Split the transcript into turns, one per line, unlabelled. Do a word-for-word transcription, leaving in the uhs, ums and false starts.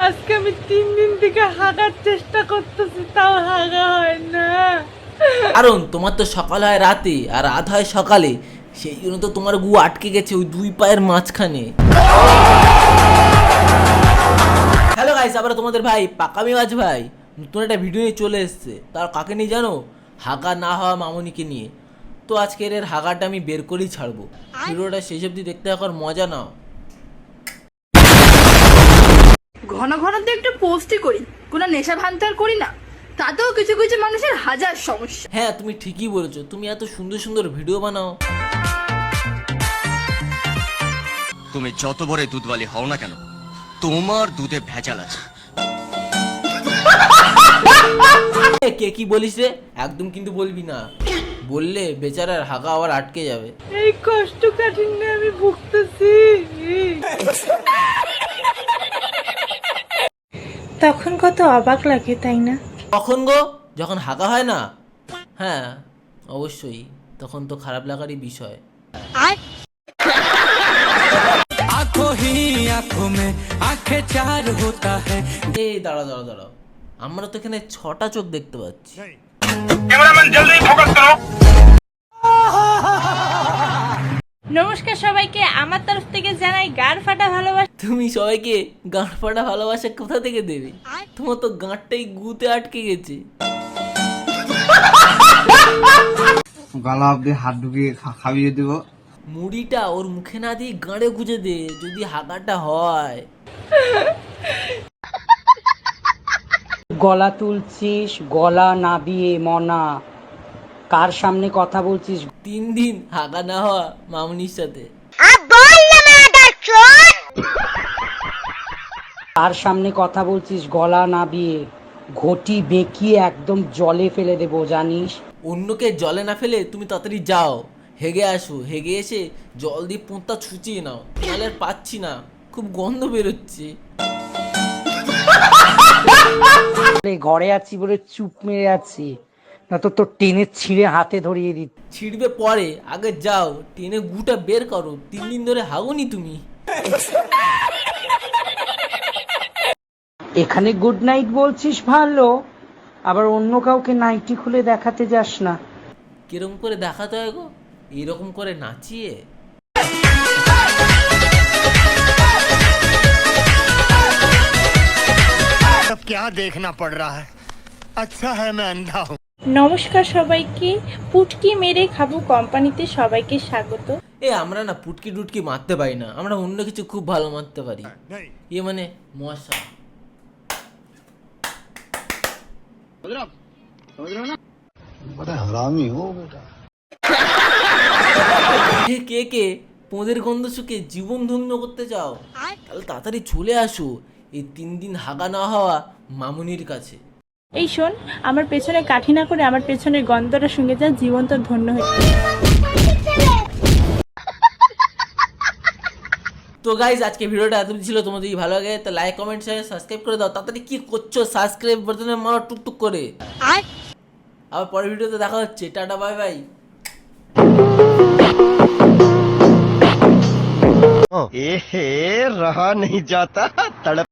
আজকে আমি তিন দিন থেকে হাগার চেষ্টা করতেছি, তাও হাগা হয় না।
কারণ তোমার তো সকাল হয় রাতে আর রাত হয় সকালে, সেই জন্য তো তোমার গু আটকে গেছে ওই দুই পায়ের মাঝখানে। হ্যালো গাইস, আবার তোমাদের ভাই পাকামি মাছ ভাই নতুন একটা ভিডিও নিয়ে চলে এসেছে। তার কাকে নিয়ে জানো? হাগা না হওয়া মামনিকে নিয়ে। তো আজকের এর হাগাটা আমি বের করেই ছাড়বো। ভিডিওটা শেষ অবধি দেখতে থাকার মজা নাও।
ঘন ঘন তো একটু পোস্টই করি, কোনো নেশা ভান্তার করি না, তাতেও কিছু কিছু মানুষের হাজার সমস্যা।
হ্যাঁ, তুমি ঠিকই বলেছো। তুমি এত সুন্দর সুন্দর ভিডিও বানাও।
তুমি যত বড় দুধওয়ালি হও না কেন, তোমার দুধে ভেজাল আছে।
কে কি বলিস রে? একদম কিন্তু বলবি না, বললে বেচারার হাগা আবার আটকে যাবে।
এই কষ্ট কাঠিন্য আমি ভুগতেছি। তখন কত অবাক লাগে, তাই না?
কখন গো? যখন হাগা হয় না? হ্যাঁ অবশ্যই, তখন তো খারাপ লাগারই বিষয়। এই দাঁড়া দাঁড়া দাঁড়াও, আমরা তো এখানে ছটা চোখ দেখতে পাচ্ছি।
নমস্কার সবাইকে, আমার তরফ থেকে জানাই গাড় ফাটা ভালোবাসা।
তুমি সবাইকে গাঁট ফাটা ভালোবাসা কোথা থেকে দেবে? তোমার তো গাঁটটাই গুতে আটকে গেছে।
গলা অব্দি হাত ঢুকিয়ে খাইয়ে দেব।
মুড়িটা ওর মুখে না দিয়ে গাঁড়ে গুজে দে, যদি হাগাটা হয়।
গলা তুলছিস, গলা নাবিয়ে মনা, কার সামনে কথা বলছিস?
তিন দিন হাগা না হওয়া মামনির সাথে।
কার সামনে কথা বলছিস? গলা নাবিয়ে ঘটি বেঁকিয়ে একদম জলে ফেলে দেবো, জানিস?
অন্যকে জলে না ফেলে তুমি তাড়াতাড়ি যাও, হেগে আসো। হেগে এসে জল দিয়ে পোঁতা ছুচিয়ে নাও, নাহলে আর পাচ্ছি না, খুব গন্ধ বেরোচ্ছে।
ঘরে আছি বলে চুপ মেরে আছি, না তো তোর টেনে ছিঁড়ে হাতে ধরিয়ে দিত।
ছিড়বে পরে, আগে যাও টেনে গুটা বের করো। তিন দিন ধরে হাগোনি তুমি।
এখানে গুড নাইট বলছিস ভালো, আবার অন্য কাউকে নাইটি খুলে দেখাতে যাস না।
কিরকম করে দেখাতে হয় গো? এইরকম করে নাচিয়ে।
अब क्या देखना पड़ रहा है, अच्छा है मैं अंधा हूँ।
নমস্কার সবাইকে, পুটকি মেরে খাবো কোম্পানিতে সবাইকে স্বাগত।
এ আমরা না পুটকি টুটকি মারতে পারি না, আমরা অন্য কিছু খুব ভালো মারতে পারি। এ মানে মশা। এ কে কে পোঁদের গন্ধ শুকে জীবন ধন্য করতে চাও, তাহলে তাড়াতাড়ি চলে আসো এই তিন দিন হাগা না হওয়া মামুনির কাছে।
এই শোন, আমার পেছনে কাঠি না করে আমার পেছনের গন্ধটা শুনে যা, জীবন তোর ধন্য হয়ে।
তো গাইজ আজকে ভিডিওটা এতদিন ছিল, তোমাদের যদি ভালো লাগে তো লাইক কমেন্ট শেয়ার সাবস্ক্রাইব করে দাও। তাড়াতাড়ি কি করছো? সাবস্ক্রাইব বাটনে মারো টুকটুক করে। আবার পরের ভিডিওতে দেখা হচ্ছে। Tata bye bye.
ए रहा नहीं जाता तड़प